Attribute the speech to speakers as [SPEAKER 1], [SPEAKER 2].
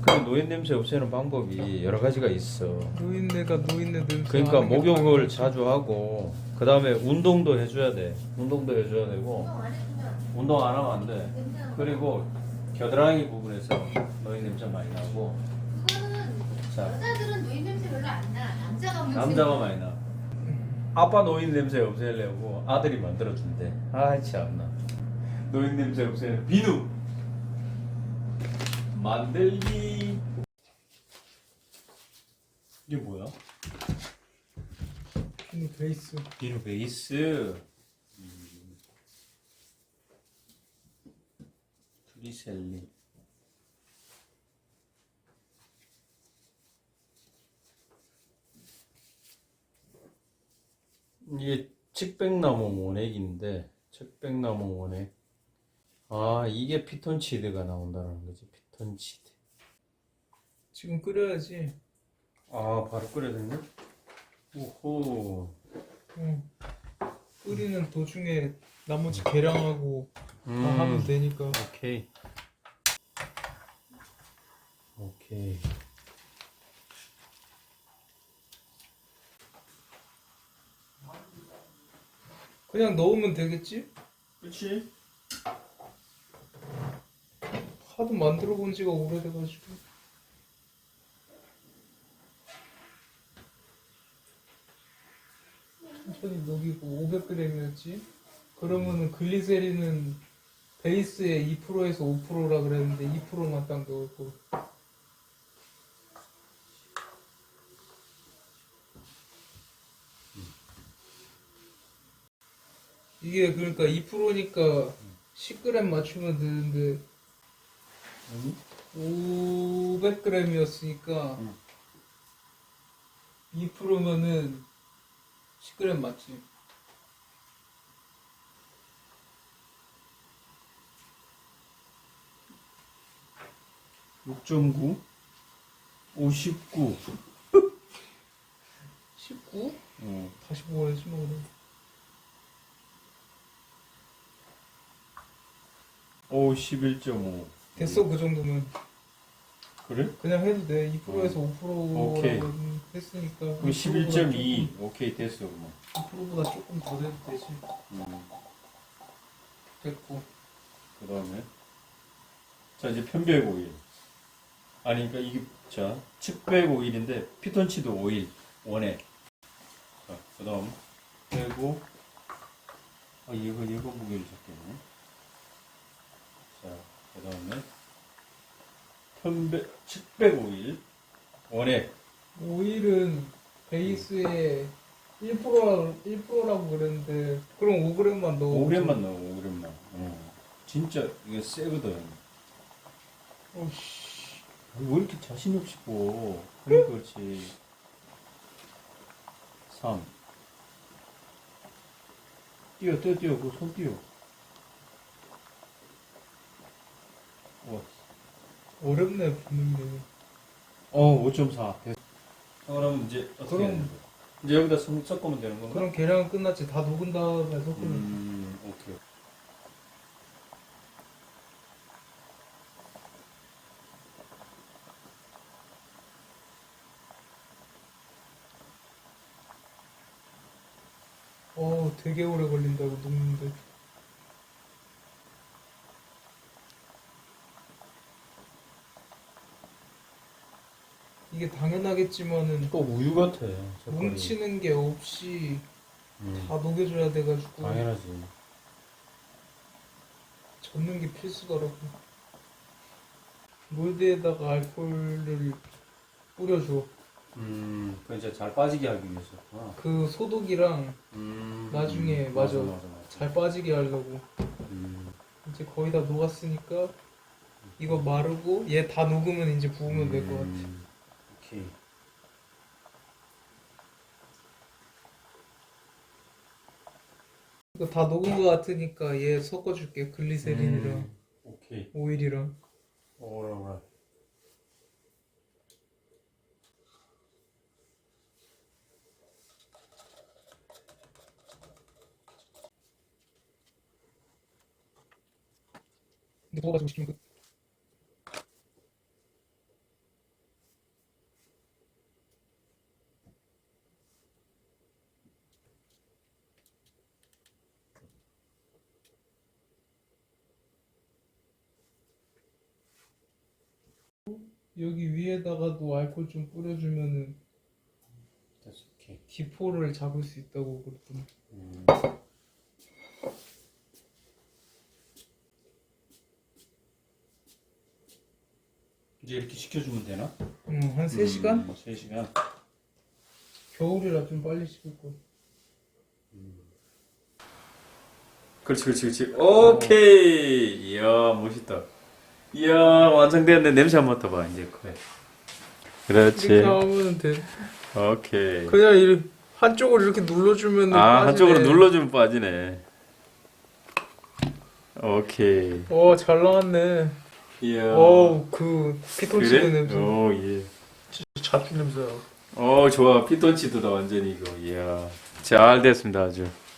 [SPEAKER 1] 노인 냄새 없애는 방법이 여러 가지가 있어.
[SPEAKER 2] 노인네가 노인네 냄새.
[SPEAKER 1] 그러니까
[SPEAKER 2] 나는 게
[SPEAKER 1] 목욕을
[SPEAKER 2] 당연하지.
[SPEAKER 1] 자주 하고 그 다음에 운동도 해줘야 돼. 운동도 해줘야 되고 운동 안 하면 안 돼. 그리고 겨드랑이 부분에서 노인 냄새 많이 나고.
[SPEAKER 3] 그거는
[SPEAKER 1] 자,
[SPEAKER 3] 여자들은 노인 냄새 별로 안 나.
[SPEAKER 1] 남자가 많이 나. 아빠 노인 냄새 없애려고 아들이 만들어준대. 아 참나. 노인 냄새 없애는 비누 만들기. 이게 뭐야?
[SPEAKER 2] 비누 베이스.
[SPEAKER 1] 비누 베이스. 트리셀린. 이게 측백나무 원액인데, 측백나무 원액. 아, 이게 피톤치드가 나온다는 거지. 피톤치드.
[SPEAKER 2] 지금 끓여야지.
[SPEAKER 1] 아, 바로 끓여야 되네? 오호.
[SPEAKER 2] 응. 끓이는 도중에 나머지 계량하고 다 하면 되니까.
[SPEAKER 1] 오케이. 오케이.
[SPEAKER 2] 그냥 넣으면 되겠지?
[SPEAKER 1] 그치?
[SPEAKER 2] 하도 만들어 본 지가 오래돼가지고. 천천히 녹이고 500g이었지? 그러면은 글리세린은 베이스에 2%에서 5%라 그랬는데 2%만 딱 넣을 거. 이게 그러니까 2%니까 10g 맞추면 되는데 500g이었으니까 2%면은 10g 맞지?
[SPEAKER 1] 음. 6.9 59
[SPEAKER 2] 19?
[SPEAKER 1] 어.
[SPEAKER 2] 다시 먹어야지 뭐 그래.
[SPEAKER 1] 오 11.5
[SPEAKER 2] 됐어 그 정도면.
[SPEAKER 1] 그래?
[SPEAKER 2] 그냥 해도 돼. 2%에서 5%라고
[SPEAKER 1] 오케이.
[SPEAKER 2] 했으니까.
[SPEAKER 1] 그럼 11.2 오케이 됐어 그럼
[SPEAKER 2] 2%보다 조금 더 돼도 되지. 됐고.
[SPEAKER 1] 그 다음에 자 이제 편백 오일 아니 그러니까 이게 자 측백 오일인데 피톤치드 오일 원액 자그 다음 빼고 아 얘가 무게를 잡겠네 자그 다음에 편백 측백 오일 원액
[SPEAKER 2] 오일은 베이스에 1%라고 그랬는데 그럼 5g만 넣어.
[SPEAKER 1] 5g만 넣어 5g만 진짜 이게 세거든
[SPEAKER 2] 어씨.
[SPEAKER 1] 왜 이렇게 자신 없이 보 그러니까 그렇지 3 뛰어 그 손 뛰어 와.
[SPEAKER 2] 어렵네 붓는데.
[SPEAKER 1] 5.4 됐어. 그럼 이제 어떻게
[SPEAKER 2] 그럼-
[SPEAKER 1] 해야 되는 거야? 이제 여기다 섞으면 되는 건가?
[SPEAKER 2] 그럼 계량은 끝났지. 다 녹은 다음에 섞으면.
[SPEAKER 1] 오케이.
[SPEAKER 2] 되게 오래 걸린다고 녹는데. 이게 당연하겠지만은
[SPEAKER 1] 또 우유 같아. 색깔이.
[SPEAKER 2] 뭉치는 게 없이
[SPEAKER 1] 음,
[SPEAKER 2] 다 녹여줘야 돼가지고
[SPEAKER 1] 당연하지.
[SPEAKER 2] 젓는 게 필수더라고. 몰드에다가 알코올을 뿌려줘.
[SPEAKER 1] 그 이제 잘 빠지게 하기 위해서.
[SPEAKER 2] 그 소독이랑 나중에 맞아. 잘 빠지게 하려고. 이제 거의 다 녹았으니까 이거 마르고 얘 다 녹으면 이제 부으면 될 것 같아.
[SPEAKER 1] 오케이.
[SPEAKER 2] 이거 다 녹은 것 같으니까 얘 섞어줄게. 글리세린이랑
[SPEAKER 1] 오케이.
[SPEAKER 2] 오일이랑.
[SPEAKER 1] 오라.
[SPEAKER 2] 근데 부어가지고 시키면 끝. 여기 위에다가도 알코올 좀 뿌려주면은
[SPEAKER 1] 오케이.
[SPEAKER 2] 기포를 잡을 수 있다고 그랬더니.
[SPEAKER 1] 이제 이렇게 식혀주면 되나?
[SPEAKER 2] 한 3시간?
[SPEAKER 1] 3시간.
[SPEAKER 2] 겨울이라 좀 빨리 식을 거.
[SPEAKER 1] 그렇지. 오케이. 이야, 멋있다. 이야, 완성되었네. 냄새 한번 맡아봐, 이제. 그래. 그렇지.
[SPEAKER 2] 이렇게 하면 돼.
[SPEAKER 1] 오케이.
[SPEAKER 2] 그냥 이렇게 한쪽으로 이렇게 눌러주면
[SPEAKER 1] 아,
[SPEAKER 2] 빠지네.
[SPEAKER 1] 한쪽으로 눌러주면 빠지네. 오케이.
[SPEAKER 2] 잘 나왔네.
[SPEAKER 1] 이야.
[SPEAKER 2] 그 피톤치드
[SPEAKER 1] 그래?
[SPEAKER 2] 냄새.
[SPEAKER 1] 오, 예.
[SPEAKER 2] 잡힌 냄새.
[SPEAKER 1] 좋아. 피톤치드다, 완전히 이거. 이야. 잘 됐습니다, 아주.